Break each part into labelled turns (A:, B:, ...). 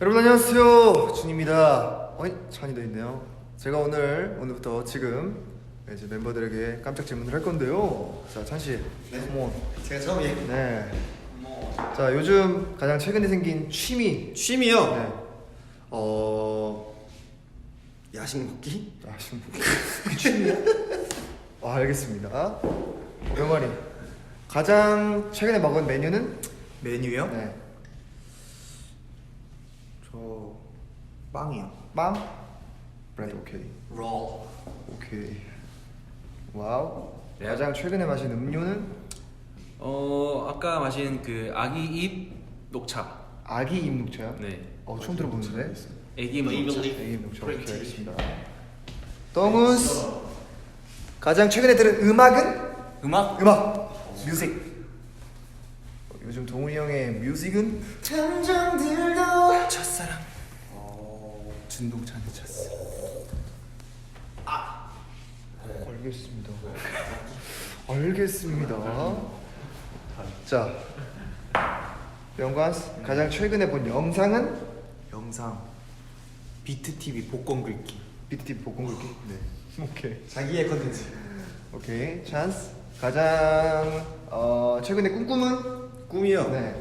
A: 여러분 안녕하세요, 준입니다. 어이, 찬이 더 있네요. 제가 오늘부터 지금 이제 멤버들에게 깜짝 질문을 할 건데요. 자, 찬 씨,
B: 네.
A: 컴온.
B: 제가 처음이에요.
A: 네. 자, 요즘 가장 최근에 생긴 취미.
B: 취미요?
A: 네.
B: 야식 먹기?
A: 아, 지금 취미요? 아, 알겠습니다. 병아리. 가장 최근에 먹은 메뉴는?
B: 메뉴요?
A: 네.
B: 저 빵이요.
A: 빵? 브레드. 오케이.
B: 롤.
A: 오케이. 와우.
C: 네.
A: 가장 최근에 마신 음료는?
C: 아까 마신 그 아기 잎 녹차.
A: 아기 잎 녹차요?
C: 네.
A: 처음 들어보는데.
C: 애기 잎 녹차.
A: 아기 잎 녹차. 오케이, 알겠습니다. 덩우스. 가장 최근에 들은 음악은?
C: 음악?
A: 뮤직. 요즘 동훈이 형의 뮤직은?
B: 감정들도
C: 첫사랑.
B: 진동찬의 찼어.
A: 알겠습니다. 자, 영관스 가장 최근에 본 영상은?
B: 영상 비트 TV 복권 긁기.
A: BTT 복권 긁기. 네. 오케이.
B: 자기의 컨텐츠.
A: 오케이. 찬스 가장 최근에 꿈꾸은?
B: 꿈이요?
A: 네.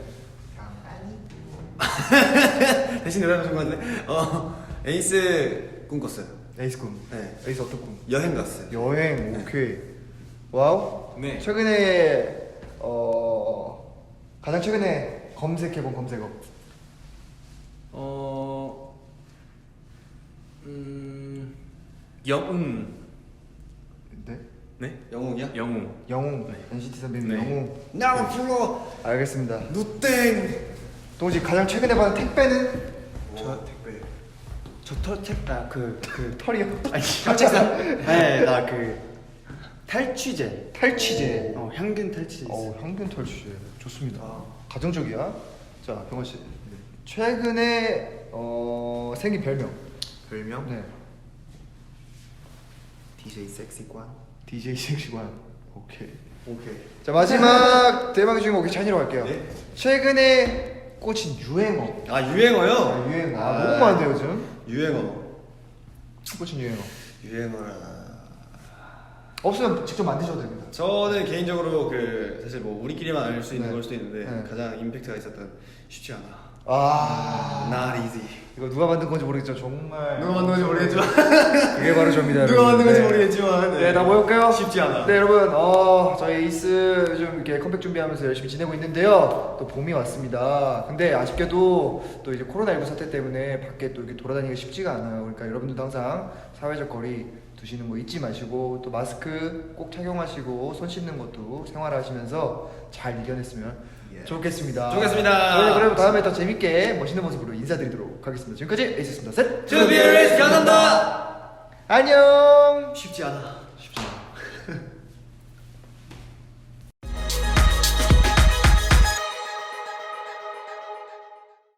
B: 대신 대답하신 것 같은데. 에이스 꿈꿨어요.
A: 에이스 꿈.
B: 네.
A: 에이스 어떤 꿈?
B: 여행 갔어요.
A: 여행. 오케이. 와우.
C: 네.
A: 최근에 가장 최근에 검색해본 검색어.
C: 영웅.
A: 네.
C: 네?
B: 영웅이야?
C: 영웅.
A: 영웅.
C: 네.
A: NCT 선배님
C: 네.
A: 영웅.
B: 나를 불러.
A: 알겠습니다.
B: 누땡.
A: 동지 가장 최근에 받은 택배는?
B: 저 택배. 그
A: 털이요.
B: 아니 혈책상. 네, 나 그 탈취제.
A: 탈취제.
B: 향균 탈취제.
A: 향균 탈취제. 좋습니다.
B: 아.
A: 가정적이야. 자, 병원 씨. 최근에 생긴 별명.
B: 별명?
A: 네.
B: DJ 섹시관.
A: DJ 섹시관. 오케이.
B: 오케이.
A: 자, 마지막 대망의 주인공 찬이로 갈게요.
B: 네.
A: 최근에 꽂힌 유행어.
B: 유행어요?
A: 유행어. 너무 많은데 요즘.
B: 유행어.
A: 꽂힌 유행어.
B: 유행어라.
A: 없으면 직접 만드셔도 됩니다.
B: 저는 개인적으로 그 사실 뭐 우리끼리만 알 수 있는
A: 네.
B: 걸 수도 있는데
A: 네.
B: 가장 임팩트가 있었던 쉽지 않아.
A: 아.
B: Not easy.
A: 이거 누가 만든 건지 모르겠죠. 정말.
B: 누가 만든 건지 모르겠지만
A: 그게 바로 접니다.
B: 누가 만든 건지
A: 네.
B: 모르겠지만
A: 네, 다 모였고요.
B: 쉽지 않아.
A: 네, 여러분, 저희 에이스 요즘 이렇게 컴백 준비하면서 열심히 지내고 있는데요. 또 봄이 왔습니다. 근데 아쉽게도 또 이제 코로나19 사태 때문에 밖에 또 이렇게 돌아다니기가 쉽지가 않아요. 그러니까 여러분들도 항상 사회적 거리 두시는 거 잊지 마시고 또 마스크 꼭 착용하시고 손 씻는 것도 생활하시면서 잘 이겨냈으면 좋겠습니다.
B: 좋겠습니다.
A: 저희 그럼 다음에 더 재밌게 멋있는 모습으로 인사드리도록 하겠습니다. 지금까지 에이스였습니다. 셋.
B: 준비를 감사합니다.
A: 안녕.
B: 쉽지 않아.